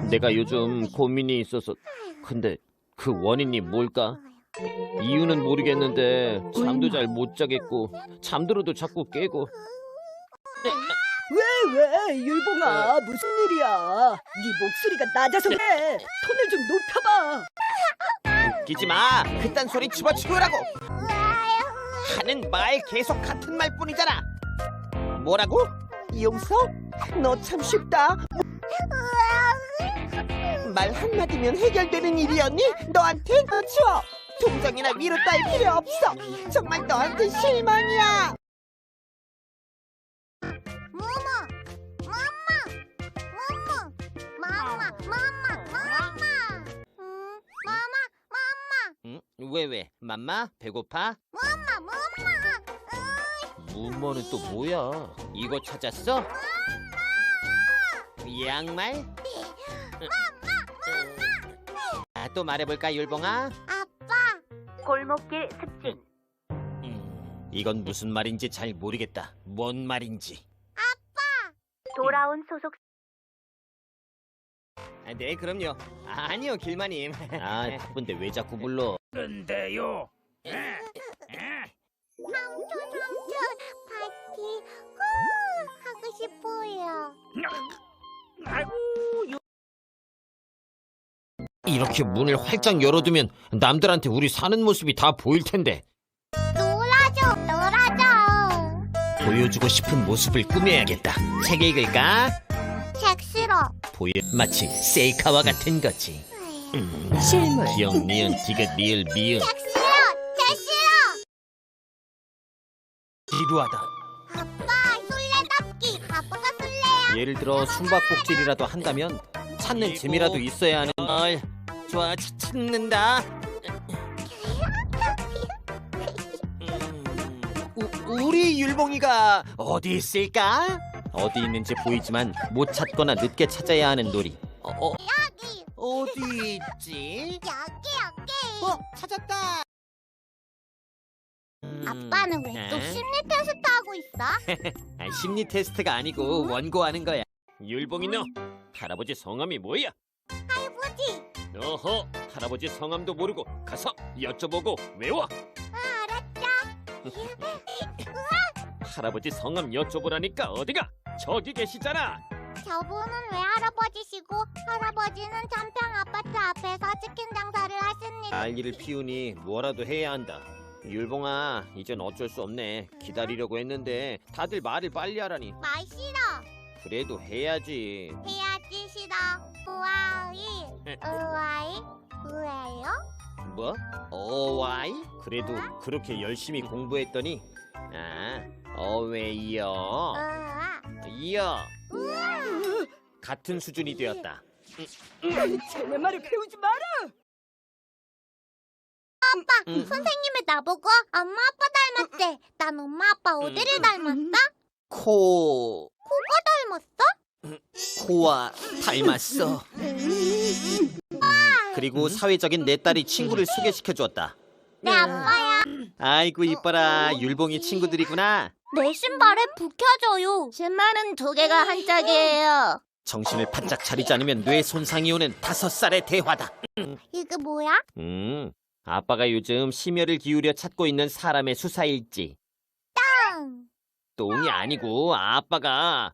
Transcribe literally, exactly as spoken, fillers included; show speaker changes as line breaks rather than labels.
내가 요즘 고민이 있어서. 근데 그 원인이 뭘까? 이유는 모르겠는데 잠도 잘 못 자겠고 잠들어도 자꾸 깨고.
왜, 왜, 율봉아, 무슨 일이야? 네 목소리가 낮아서 그래. 톤을 좀 높여봐.
웃기지 마. 그딴 소리 집어치우라고. 하는 말 계속 같은 말뿐이잖아. 뭐라고? 이용서? 너 참 쉽다. 말 한마디면 해결되는 일이었니? 너한테? 어, 치워. 동정이나 위로 딸 필요 없어. 정말 너한테 실망이야. 응? 왜 왜? 맘마? 배고파? 맘마 맘마. 무모는 또 뭐야? 이거 찾았어? 양말? 아, 또 말해볼까 율봉아?
골목길 습진.
음, 이건 무슨 말인지 잘 모르겠다. 뭔 말인지.
돌아온 소속.
아, 네 그럼요. 아, 아니요 길마님. 아 바쁜데 왜 자꾸 불러?
근데요.
삼촌 삼촌 파티 후 하고 싶어요.
아이고,
이렇게 문을 활짝 열어두면 남들한테 우리 사는 모습이 다 보일 텐데.
놀아줘 놀아줘.
보여주고 싶은 모습을 꾸며야겠다. 책 읽을까?
책 싫어.
보여 마치 셀카와 같은 거지. 음,
실물.
기억 니은 디귿 리을 미음.
책 싫어. 책 싫어.
지루하다.
아빠 술래잡기. 아빠가 술래야.
예를 들어 숨바꼭질이라도 한다면 찾는 재미라도 있어야 하는 걸. 좋아, 차- 찾는다. 음, 우, 우리 율봉이가 어디 있을까? 어디 있는지 보이지만 못 찾거나 늦게 찾아야 하는 놀이. 어, 어,
여기
어디 있지?
여기 여기.
어, 찾았다. 음,
아빠는 왜 또
에?
심리 테스트 하고 있어?
아, 심리 테스트가 아니고 원고하는 거야. 율봉이 너 할아버지 성함이 뭐야?
할아버지.
어허, 할아버지 성함도 모르고 가서 여쭤보고 외워.
아, 알았죠.
할아버지 성함 여쭤보라니까 어디가? 저기 계시잖아.
저분은 왜 할아버지시고 할아버지는 천평 아파트 앞에서 치킨 장사를 하십니다.
난리를 피우니 뭐라도 해야 한다. 율봉아, 이젠 어쩔 수 없네. 기다리려고 했는데 다들 말을 빨리 하라니.
말 싫어.
그래도 해야지.
해야지 싫어. 우아이 우아이 우아요?
뭐? 어와이? 그래도 그렇게 열심히 공부했더니 아, 어웨이요.
우아
이어 같은 수준이 되었다.
쟤네 말을 배우지 마라.
아빠
음.
선생님이 나보고 엄마 아빠 닮았대. 난 엄마 아빠 어디를
음.
닮았어?
코
닮았어?
코와 닮았어. 그리고 사회적인 내 딸이 친구를 소개시켜 주었다.
내 아빠야.
아이고 이뻐라, 율봉이 친구들이구나.
내 신발에 불 켜져요. 신발은 두 개가 한 짝이에요.
정신을 바짝 차리지 않으면 뇌 손상이 오는 다섯 살의 대화다.
이게 뭐야?
음, 아빠가 요즘 심혈을 기울여 찾고 있는 사람의 수사일지.
땅.
똥이 아니고 아빠가